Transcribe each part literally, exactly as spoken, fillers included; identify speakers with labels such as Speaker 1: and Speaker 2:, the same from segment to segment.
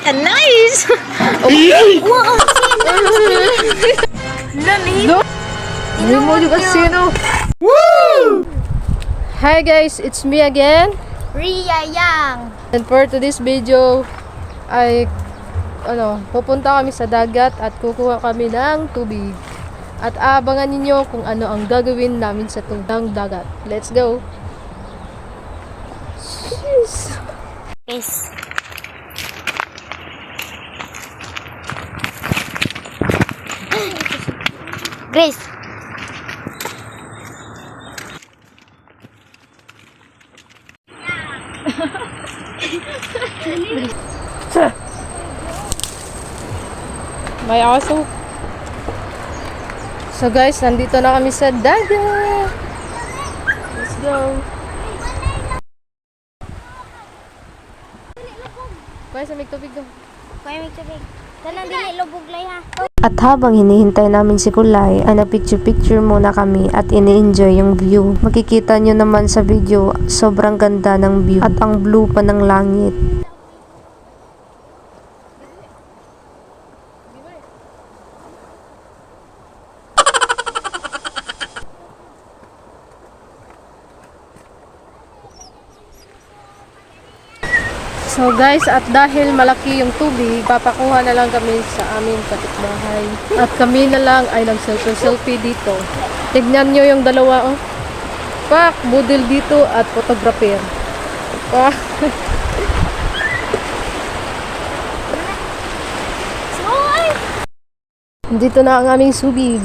Speaker 1: a nice!
Speaker 2: Wow! Lali!
Speaker 3: Hindi mo yung kasino. Woo! Hi guys, it's me again.
Speaker 2: Ria Yang!
Speaker 3: And for today's video, ay ano, pupunta kami sa dagat at kukuha kami ng tubig. At abangan ninyo kung ano ang gagawin namin sa tubig dagat. Let's go! Jeez.
Speaker 2: Guys. Grace.
Speaker 3: May aso. So guys, nandito na kami sa dagat. Let's go. Guys, may tubig daw.
Speaker 2: Kuya may tubig. Tanan dili lubog lay ha.
Speaker 4: At habang hinihintay namin si Kulay, ay nagpicture-picture muna kami at ini-enjoy yung view. Makikita nyo naman sa video, sobrang ganda ng view at ang blue pa ng langit.
Speaker 3: So guys, at dahil malaki yung tubig, papakuha na lang kami sa aming kapitbahay. At kami na lang ay nag-selfie-selfie dito. Tignan nyo yung dalawa, oh. Pak, model dito at photographer. Pak. Dito na ang aming subig.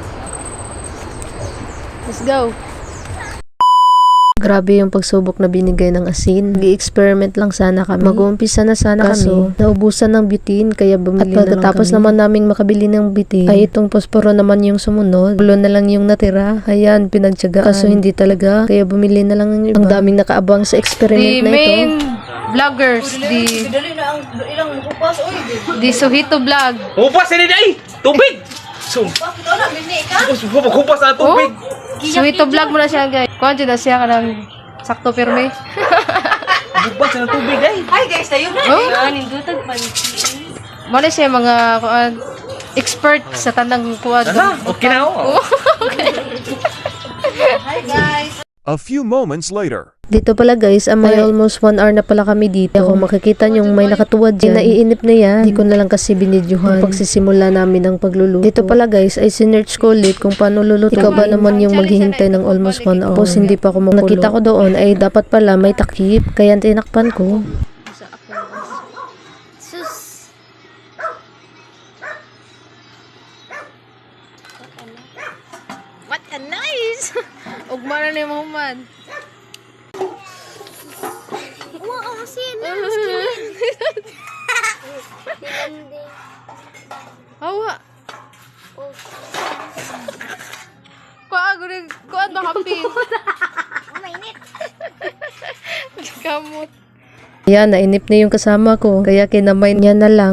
Speaker 3: Let's go.
Speaker 4: Grabe yung pagsubok na binigay ng asin. Nag-i-experiment lang sana kami. Mag-uumpisa na sana Kaso, kami. Naubusan ng butane, kaya bumili na lang kami. At pagkatapos naman naming makabili ng butane, ay itong posporo naman yung sumunod. Ulo na lang yung natira. Ayan, pinagtyagaan. Kaso hindi talaga. Kaya bumili na lang yung iba. Ang daming nakaabang sa experiment
Speaker 3: The
Speaker 4: na ito.
Speaker 3: main vloggers, the the Suhito vlog.
Speaker 5: Hupas ini day! Tubig! So, hupas na tubig!
Speaker 3: Suhito vlog mo na siya guys. Kuhan dyan na siya ka ng sakto pirme.
Speaker 5: Hupas na tubig day!
Speaker 1: Hi guys, tayo na.
Speaker 3: Oh?
Speaker 2: Nindutag man.
Speaker 3: Muna siya mga kuhan, expert sa tanang kuhan.
Speaker 5: Aha, okay na ako.
Speaker 1: Hi guys.
Speaker 6: A few moments later.
Speaker 4: Dito pala guys, ah, may almost one hour na pala kami dito. Kung makikita nyo may nakatuwad dyan, naiinip na yan. Hindi ko na lang kasi binidyohan pagsisimula namin ng pagluluto. Dito pala guys, ay sinerch ko ulit kung paano luluto. Ikaw ba naman yung maghihintay ng almost one hour? Tapos hindi pa ako makulo. Nakita ko doon ay dapat pala may takip. Kaya tinakpan ko.
Speaker 2: Sus.
Speaker 3: What a nice! Ugma na ni Muhammad.
Speaker 2: Wow, asin.
Speaker 3: Hawa. Kuha, guri, kuha ba kapin?
Speaker 2: Mainit.
Speaker 3: Kamot.
Speaker 4: Ayan, nainip na yung kasama ko. Kaya kinamay niya na lang.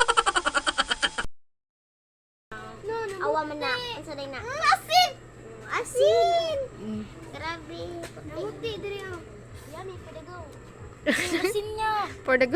Speaker 2: Awa man na. Unsa day na? Asin. Asin. Grabe. Namuti diri oh. Yummy for the go. Asin niya.
Speaker 3: For the go.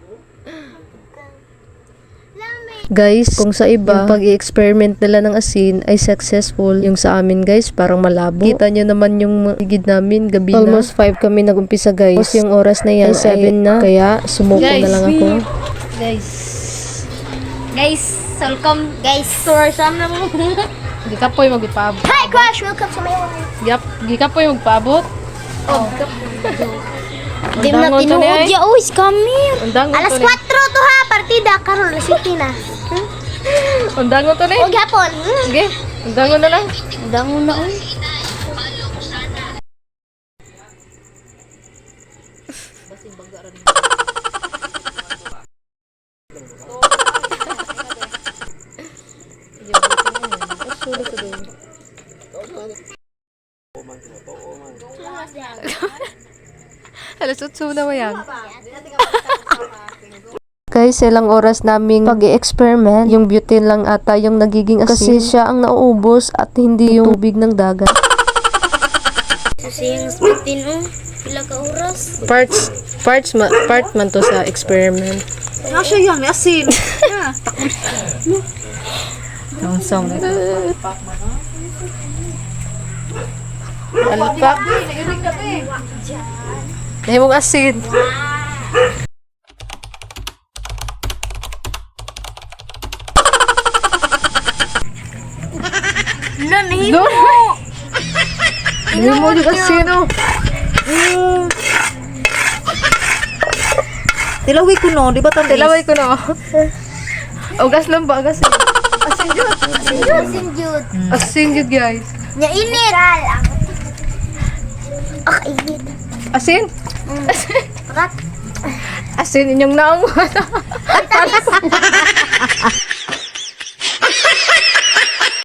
Speaker 2: Lami.
Speaker 4: Guys, kung sa iba, yung pag-i-experiment nila ng asin ay successful. Yung sa amin guys, parang malabo. Kita nyo naman yung higid namin, gabi na. Almost five kami nagumpisa guys. Tapos yung oras na yan, seven na. Kaya sumuko na lang ako.
Speaker 3: Guys.
Speaker 2: Guys, welcome guys. Tour sam na mo.
Speaker 3: Di ka po'y magpabot.
Speaker 2: Hi Crush, welcome sa my life.
Speaker 3: Yap, di ka po'y magpabot.
Speaker 2: Oh. Di mo na
Speaker 3: Undangon to ni
Speaker 2: tinuod
Speaker 3: ay.
Speaker 2: ya. Uy, come
Speaker 3: Undangon
Speaker 2: Alas
Speaker 3: to ni.
Speaker 2: four to ha, partida karon alas siete na.
Speaker 3: Undangon to ni.
Speaker 2: O gapon.
Speaker 3: Sige, undangon na lang.
Speaker 2: Dangon na oy.
Speaker 3: Alas utso na ba yan?
Speaker 4: Guys, ilang oras naming pag-i-experiment. Yung butane lang ata yung nagiging asin. Kasi siya ang nauubos at hindi yung tubig ng dagat.
Speaker 2: Kasi yung fifteen oh. Pila ka oras?
Speaker 3: Parts, parts, ma, part man to sa experiment.
Speaker 1: Nasa yan, may asin.
Speaker 3: Song-song. Alpak. Dahil mong asin.
Speaker 2: Nanahimo.
Speaker 3: Dahil mo yung asin, oh.
Speaker 1: Tilawi ko no, di ba tamis?
Speaker 3: Tilaway ko na, oh. Ugas lang ba? Ugas lang. Asin yun.
Speaker 2: Asin jud.
Speaker 3: Asin yun, guys.
Speaker 2: Nya init. Ah, init.
Speaker 3: Asin?
Speaker 2: Rat.
Speaker 3: Asin inyong naong.